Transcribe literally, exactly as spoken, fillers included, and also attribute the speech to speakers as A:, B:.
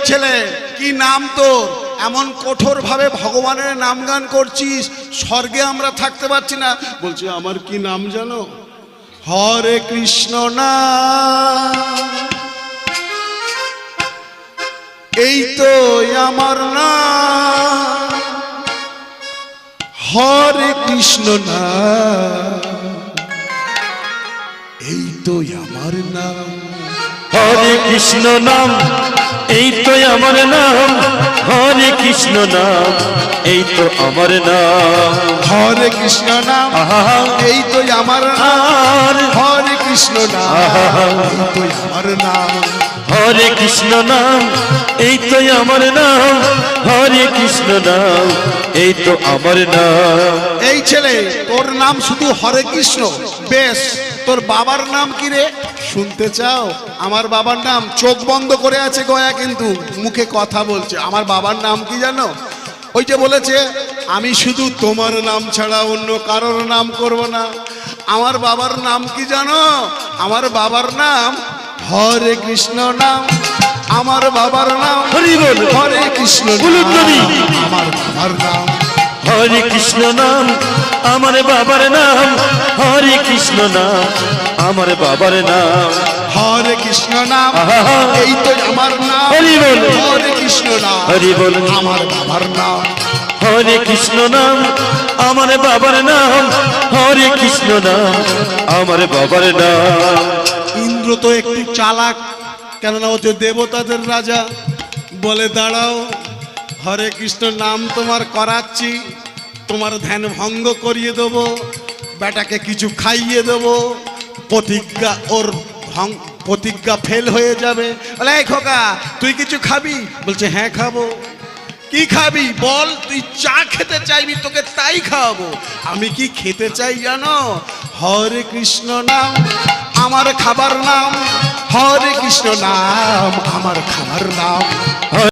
A: ছেলে, কি নাম তোর? এমন কঠোর ভাবে ভগবানের নাম গান করছিস, স্বর্গে আমরা থাকতে পারছি না। বলছে আমার কি নাম জানো? হরে কৃষ্ণ নাম, এই তো আমার নাম। হরে কৃষ্ণ নাম, এই তো আমার নাম।
B: হরে কৃষ্ণ নাম, এই তো আমার নাম। হরে কৃষ্ণ নাম, এই তো আমার নাম।
A: হরে কৃষ্ণ নাম, এই তো আমার নাম। হরে কৃষ্ণ নাম, এই তো আমার নাম।
B: হরে কৃষ্ণ নাম, এই তো আমার নাম। হরে কৃষ্ণ নাম, এই তো আমার নাম।
A: এই ছেলে, তোর নাম শুধু হরে কৃষ্ণ, বেশ। তোর বাবার নাম কি রে? শুনতে চাও? আমার বাবার নাম, চোখ বন্ধ করে আছে গয়া, কিন্তু মুখে কথা বলছে। আমার বাবার নাম কি জানো? ওই যে বলেছে, আমি শুধু তোমার নাম ছাড়া অন্য কারোর নাম করব না। আমার বাবার নাম কি জানো? আমার বাবার নাম হরে কৃষ্ণ নাম। আমার বাবার নাম
B: হরি বল,
A: হরে কৃষ্ণ
B: বলুন নবী।
A: আমার বাবার নাম
B: হরে কৃষ্ণ নাম, আমার বাবার নাম। হরে কৃষ্ণ নাম, আমার বাবার নাম।
A: হরে কৃষ্ণ নাম, এই তো আমার নাম।
B: হরি বল,
A: হরে কৃষ্ণ নাম,
B: হরি বল।
A: আমার বাবার নাম।
B: হরে কৃষ্ণ নাম, আমার বাবার নাম। হরে কৃষ্ণ নাম, আমার বাবার নাম।
A: ইন্দ্র তো একটু চালাক, কেননা ও যে দেবতাদের রাজা। বলে দাঁড়াও, হরে কৃষ্ণ নাম তোমার করাচ্ছি, তোমার ধ্যান ভঙ্গ করিয়ে দেবো, বেটাকে কিছু খাইয়ে দেবো, প্রতিজ্ঞা ওর ভঙ্গ প্রতিজ্ঞা ফেল হয়ে যাবে। বলে এই খোকা, তুই কিছু খাবি? বলছে হ্যাঁ খাবো। কি খাবি বল? তুই চা খেতে চাইবি, তোকে তাই খাওয়াবো। আমি কি খেতে চাই জানো? হরে কৃষ্ণ নাম, আমার খাবার নাম। হরে কৃষ্ণ নাম, আমার খাবার নাম।